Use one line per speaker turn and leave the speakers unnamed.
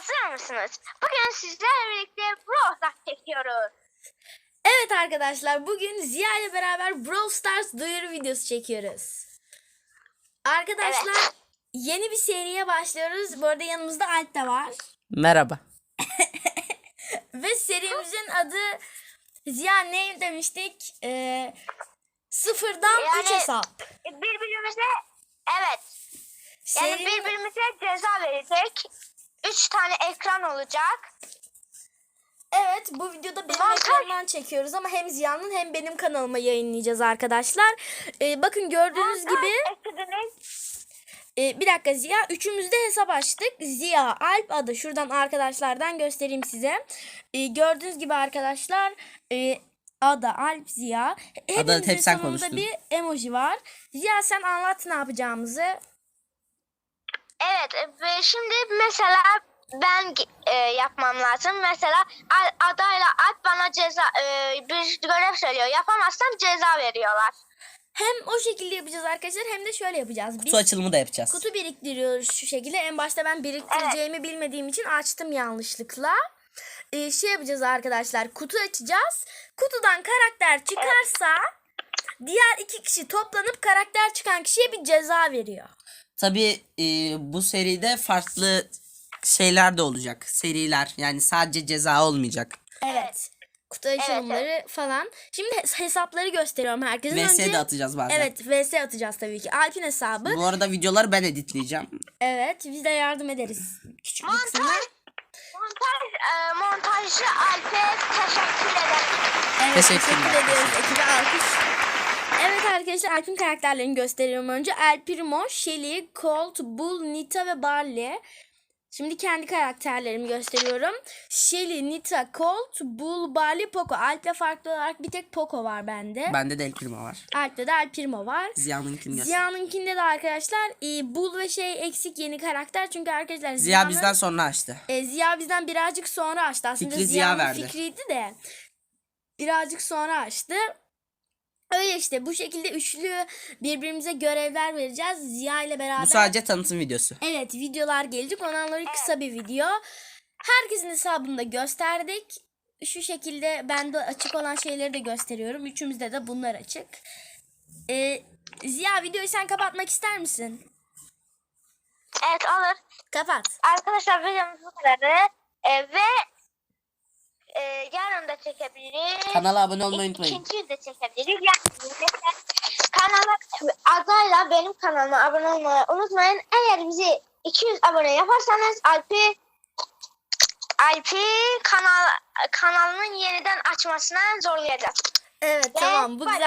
Hazır mısınız? Bugün sizlerle birlikte Brawl Stars çekiyoruz.
Evet arkadaşlar, bugün Ziya ile beraber Brawl Stars duyuru videosu çekiyoruz. Arkadaşlar,
Evet.
yeni bir seriye başlıyoruz. Bu arada yanımızda Alp de var.
Merhaba.
Ve serimizin adı Ziya ne demiştik? Sıfırdan 3 hesap.
Birbirimize evet. Yani
Serinin-
birbirimize ceza verecek. 3 tane ekran olacak.
Evet, bu videoda benim
Montaj.
ekranımdan çekiyoruz ama hem Ziya'nın hem benim kanalıma yayınlayacağız arkadaşlar. Bakın gördüğünüz gibi bir dakika Ziya, üçümüz de hesap açtık. Ziya, Alp, Ada, şuradan arkadaşlardan göstereyim size. Gördüğünüz gibi arkadaşlar Ada, Alp, Ziya. Hepimizin
hep sen
sonunda
konuştun.
bir emoji var. Ziya sen anlat ne yapacağımızı.
Evet ve şimdi mesela ben yapmam lazım. Mesela adayla Alp bana ceza bir görev söylüyor. Yapamazsam ceza veriyorlar.
Hem o şekilde yapacağız arkadaşlar hem de şöyle yapacağız. Biz
Kutu açılımı da yapacağız.
kutu biriktiriyoruz şu şekilde. En başta ben biriktireceğimi bilmediğim için açtım yanlışlıkla. Şey yapacağız arkadaşlar, kutu açacağız. Kutudan karakter çıkarsa diğer iki kişi toplanıp karakter çıkan kişiye bir ceza veriyor.
Tabii bu seride farklı şeyler de olacak. Seriler, yani sadece ceza olmayacak.
Evet. Kutu açılımları falan. Şimdi hesapları gösteriyorum herkese.
VS de atacağız bazen.
Evet, VS atacağız tabii ki. Alp'in hesabı.
Bu arada videoları ben editleyeceğim.
Evet, biz de yardım ederiz. Küçük bir kısmına.
Montajcı Alp'e teşekkür ederim.
Evet,
Teşekkürler.
teşekkür ediyoruz ekibe, alkış. Evet arkadaşlar, Alp'in karakterlerini gösteriyorum önce. El Primo, Shelly, Colt, Bull, Nita ve Barley. Şimdi kendi karakterlerimi gösteriyorum. Shelly, Nita, Colt, Bull, Barley, Poco. Alp'le farklı olarak bir tek Poco var bende.
Bende de El Primo var.
Alp'te de El Primo var.
Ziya'nınkini göster.
Ziya'nınkinde de arkadaşlar Bull ve eksik yeni karakter. Çünkü arkadaşlar
Ziya bizden sonra açtı.
Ziya bizden birazcık sonra açtı. Aslında
Fikri Ziya
Ziya'nın
verdi.
fikriydi de birazcık sonra açtı. Öyle işte, bu şekilde üçlü birbirimize görevler vereceğiz Ziya ile beraber.
Bu sadece tanıtım videosu.
Evet, videolar gelecek. Ondan sonra kısa bir video. Herkesin hesabını da gösterdik. Şu şekilde ben de açık olan şeyleri de gösteriyorum. Üçümüzde de bunlar açık. Ziya, videoyu sen kapatmak ister misin?
Evet olur.
Kapat.
Arkadaşlar videomuz bu kadarı. Ve yarın da çekebiliriz.
Kanala abone olmayı unutmayın.
İkinci de çekebiliriz. Yani kanala adayla benim kanalıma abone olmayı unutmayın. Eğer bizi 200 abone yaparsanız Alp'i kanalının yeniden açmasına zorlayacağız.
Evet, tamam. Bu
Bye.
güzel.